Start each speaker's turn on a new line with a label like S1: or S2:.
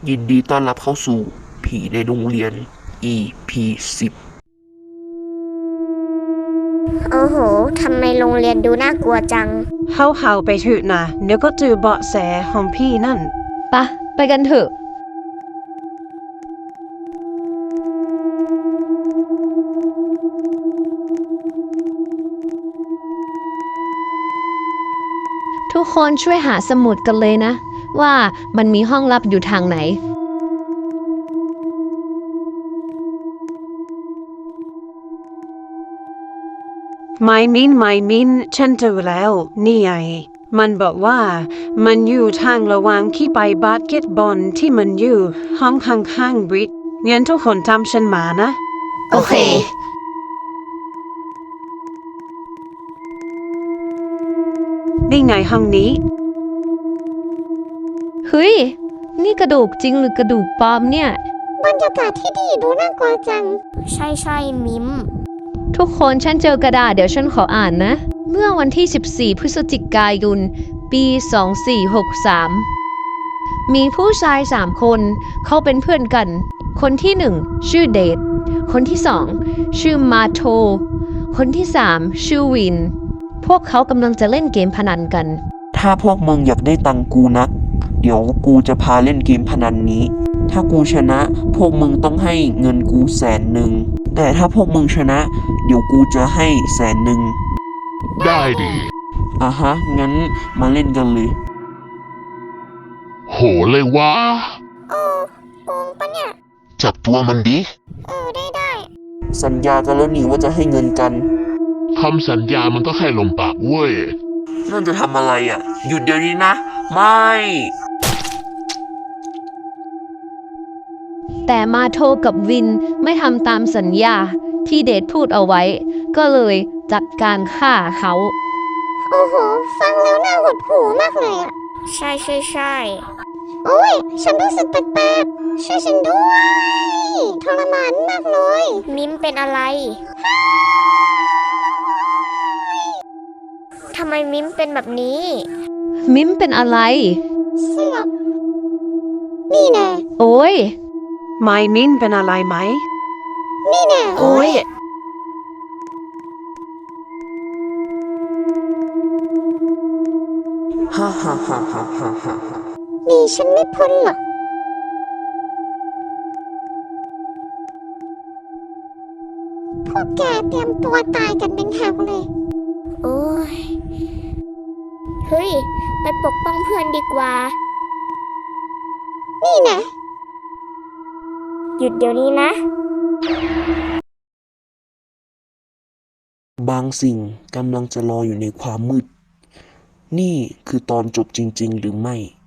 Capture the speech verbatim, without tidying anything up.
S1: ยินดีต้อนรับเข้าสู่ผีในโรงเรียน อี พี สิบ
S2: โอ้โห ทำไมโรงเรียนดูน่ากลัวจัง
S3: เฮาเฮาไปเถอะนะเดี๋ยวก็เจอเบาะแสของพี่นั่น
S4: ปะไปกันเถอะ ทุกคนช่วยหาสมุดกันเลยนะ ว่ามันมีห้องลับอยู่ทางไหน
S3: ไม่มินไม่มินฉันเจอแล้ว นี่ไง มันบอกว่ามันอยู่ทางระหว่างที่ไปบาสเกตบอลที่มันอยู่ห้องข้างๆบริดงั้นทุกคนตามฉันมานะ
S4: โอเค
S3: นี่ไงห้องนี้
S4: เฮ้ย นี่กระดูกจริงหรือกระดูกปลอมเนี่ย
S2: บรรยากาศที่ดีดูน่ากลัวจัง ใช่ใช่มิม
S4: ทุกคนฉันเจอกระดาษเดี๋ยวฉันขออ่านนะ เมื่อวันที่ สิบสี่ พฤศจิกายน ปี สองสี่หกสาม มีผู้ชายสามคนเขาเป็นเพื่อนกัน คนที่หนึ่งชื่อเดท คนที่สองชื่อมาโท คนที่สามชื่อวิน พวกเขากำลังจะเล่นเกมพนันกัน
S1: ถ้าพวกมึงอยากได้ตังค์กูนัก เดี๋ยวกูจะพาเล่นเกมพนันนี้ ถ้ากูชนะ พวกมึงต้องให้เงินกูแสนหนึ่ง แต่ถ้าพวกมึงชนะ เดี๋ยวกูจะให้แสนหนึ่ง
S5: ได้ดิ
S1: อ่ะฮะ งั้นมาเล่นกันเลย
S5: โหเลยวะ
S2: โอ้โกงปะเนี่ย
S5: จับตัวมันดิ
S2: เออ ได้ได้
S1: สัญญากันแล้วนี่ว่าจะให้เงินกัน
S5: คำสัญญามันก็แค่ลมปากเว้ย
S1: นั่นจะทำอะไรอ่ะ หยุดเดี๋ยวนี้นะ ไม่
S4: แต่มาโทกับวินไม่ทำตามสัญญาที่เดทพูดเอาไว้ ก็เลยจัดการฆ่าเขา
S2: โอ้โห ฟังแล้วน่าหดหู่มากเลยอ่ะ ใช่ใช่ใช่โอ้ย ฉันรู้สึกแปลกๆช่วยฉันด้วยทรมานมากเลย มิมเป็นอะไร ทำไมมิมเป็นแบบนี้
S4: มิมเป็นอะไร
S2: เสือกนี่แน่
S4: โอ้ย
S3: ไม่มินเป็นอะไรไหม
S2: นี่แน่
S4: โอ้ย
S1: ฮ่าฮ่าฮ่าฮ่าฮ่าฮ่า
S2: หนีฉันไม่พ้นหรอก พวกแกเตรียมตัวตายกันเป็นแถวเลย โอ้ย เฮ้ย ไปปกป้องเพื่อนดีกว่า นี่นะ หยุดเดี๋ยวนี้นะ
S1: บางสิ่งกำลังจะรออยู่ในความมืด นี่คือตอนจบจริงๆหรือไม่